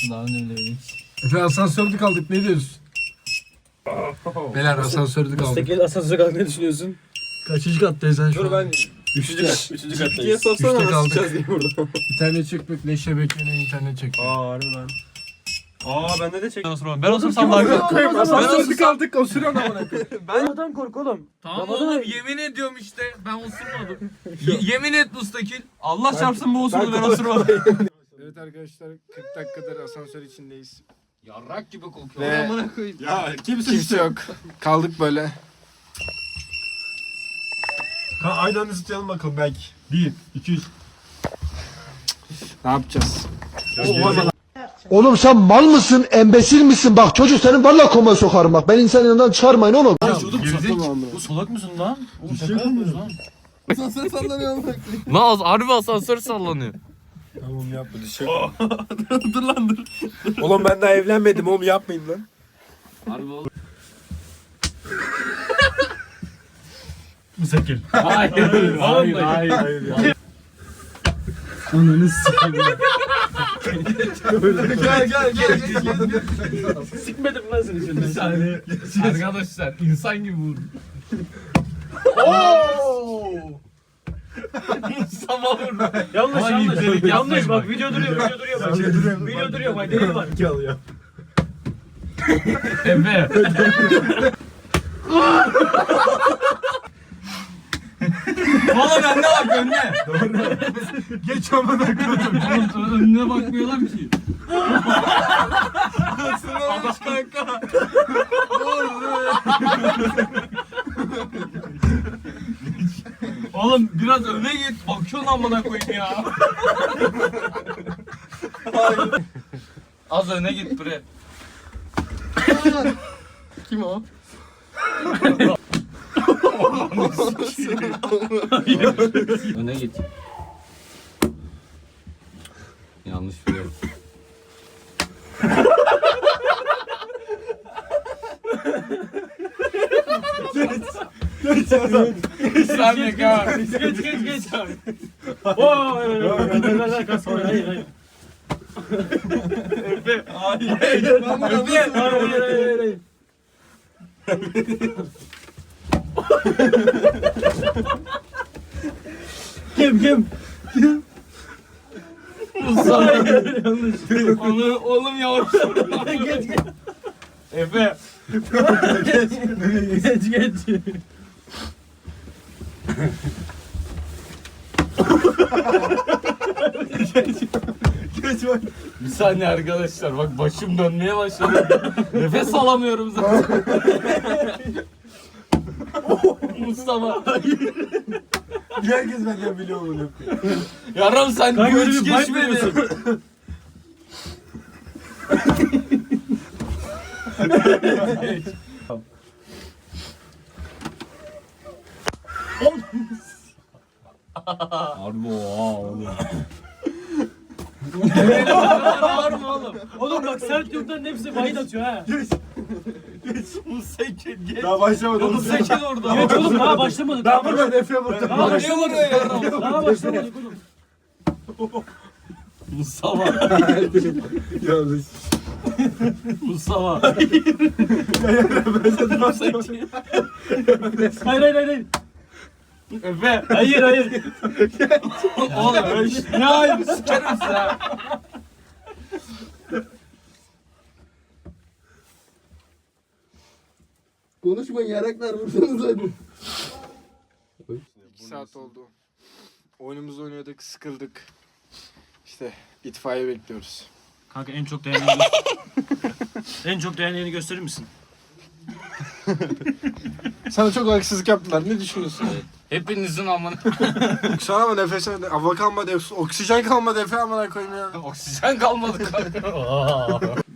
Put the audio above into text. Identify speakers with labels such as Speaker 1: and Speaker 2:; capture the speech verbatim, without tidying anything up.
Speaker 1: olsun daha önemli değil.
Speaker 2: Efe asansörde kaldık ne diyorsun? Beyler asansörde kaldık.
Speaker 3: Müstakil asansöre kalk ne düşünüyorsun?
Speaker 2: Kaçıncı kattayız sen şu
Speaker 3: Dur
Speaker 2: an?
Speaker 3: ben
Speaker 2: Üçte.
Speaker 3: üçüncü kattayız.
Speaker 2: sorsana
Speaker 3: Üçte
Speaker 2: nasıl
Speaker 3: kaldık.
Speaker 2: çıkacağız
Speaker 3: diye burada.
Speaker 2: İnternet çekmek leşe beklenen internet çekiyor.
Speaker 3: Aa harbiden. Aa bende de çek.
Speaker 1: Ben olsam daha
Speaker 2: Koyayım asansörde
Speaker 1: Ben-
Speaker 2: kaldık osuruyorsun amına.
Speaker 3: Ben adam kork oğlum.
Speaker 1: Tamam
Speaker 3: Ramazan
Speaker 1: oğlum
Speaker 3: abi.
Speaker 1: yemin ediyorum işte ben osurmadım. Ye- yemin et Mustakil. Allah çarpsın bu osurdu ben osurmadım.
Speaker 2: Evet arkadaşlar kırk dakikadır asansör içindeyiz.
Speaker 1: Yarrak gibi kokuyor.
Speaker 2: Ve-
Speaker 1: Amına koyayım.
Speaker 3: Ya kimse
Speaker 2: Kimse yok. Kaldık böyle.
Speaker 3: Aynı anda tutuyalım bakalım belki. Bir, iki, üç.
Speaker 2: Ne yapacağız?
Speaker 4: Oğlum sen mal mısın, embesil misin? Bak çocuk senin valla koma sokarım bak. Ben insan yanından çıkarmayın oğlum.
Speaker 3: Bu salak mısın lan? Oğlum şaka yapıyorsun lan.
Speaker 1: Naz harbi asansör sallanıyor.
Speaker 3: Tamam yapma düşün. Dur lan dur. Oğlum ben daha evlenmedim oğlum yapmayın lan.
Speaker 1: Harbi oğlum.
Speaker 3: Müstakil.
Speaker 1: Hayır hayır hayır.
Speaker 3: hayır.
Speaker 2: Ananı s**eyim.
Speaker 1: Gel gel gel gel.
Speaker 3: Sikmedim lan seni şimdi. Bir saniye.
Speaker 1: Arkadaşlar insan gibi vurdu. Mustafa vurdu.
Speaker 3: Yanlış
Speaker 1: Ay,
Speaker 3: yanlış.
Speaker 1: delik
Speaker 3: Yanlış
Speaker 1: yapmayın
Speaker 3: bak
Speaker 1: bak.
Speaker 3: video duruyor video duruyor bak. Video duruyor bak delil var.
Speaker 2: İki alıyor.
Speaker 1: Efe. Oğlum önüne bak önüne.
Speaker 2: Geç amına koyayım.
Speaker 1: Oğlum önüne bakmıyorlar ki. Sınavmış kanka. Oğlum biraz öne git. Bakıyorsun amına koyayım ya. Az öne git bre.
Speaker 2: Kim o?
Speaker 1: Öne git. Yanlış biliyorum. Bir saniye kal.
Speaker 3: Geç geç geç. Oo ver ver ver ver kas hayır hayır hayır.
Speaker 1: Efe. Hayır.
Speaker 3: Hayır hayır hayır hayır. Kim kim?
Speaker 1: Mustafa. Onu oğlum yavaş.
Speaker 3: Geç geç.
Speaker 1: Efe.
Speaker 3: Geç geç.
Speaker 1: Bir saniye arkadaşlar bak başım dönmeye başladı. Nefes alamıyorum zaten. Mustafa.
Speaker 2: Herkes benden biliyor bunu.
Speaker 1: Yarım sen
Speaker 3: Kanka
Speaker 1: bu
Speaker 3: öyle
Speaker 1: hiç
Speaker 3: bir bite
Speaker 1: geçmedi.
Speaker 3: veriyorsun.
Speaker 1: Harbi oha oğlum.
Speaker 3: Var mı oğlum? Oğlum bak sert yurtların hepsi bayit atıyor ha.
Speaker 1: Musakin geç.
Speaker 2: Daha başlamadım.
Speaker 1: Musakin orada.
Speaker 3: Geç oğlum daha başlamadık.
Speaker 2: Daha buradan Efe burada.
Speaker 3: Daha
Speaker 1: Bak ne
Speaker 3: başlamadık.
Speaker 1: vuruyor yarım.
Speaker 3: Daha başlamadık oğlum.
Speaker 1: Mustafa.
Speaker 2: Yanlış.
Speaker 1: Mustafa. Musakin.
Speaker 3: Hayır hayır hayır. hayır.
Speaker 1: Efe.
Speaker 3: Hayır hayır.
Speaker 1: Oğlum ne hayır sikerim sen.
Speaker 4: Konuşmayın yaraklar vursanız hadi.
Speaker 2: İki saat oldu. Oyunumuzu oynadık, sıkıldık. İşte itfaiye bekliyoruz.
Speaker 3: Kanka en çok değerli en çok değerli gösterir misin?
Speaker 2: Sana çok haksızlık yaptılar. Ne düşünüyorsun?
Speaker 1: Hepinizin amına.
Speaker 2: Sana ama nefes hava kalmadı, oksijen kalmadı Efe amına koyayım ya.
Speaker 1: Oksijen kalmadı kanka.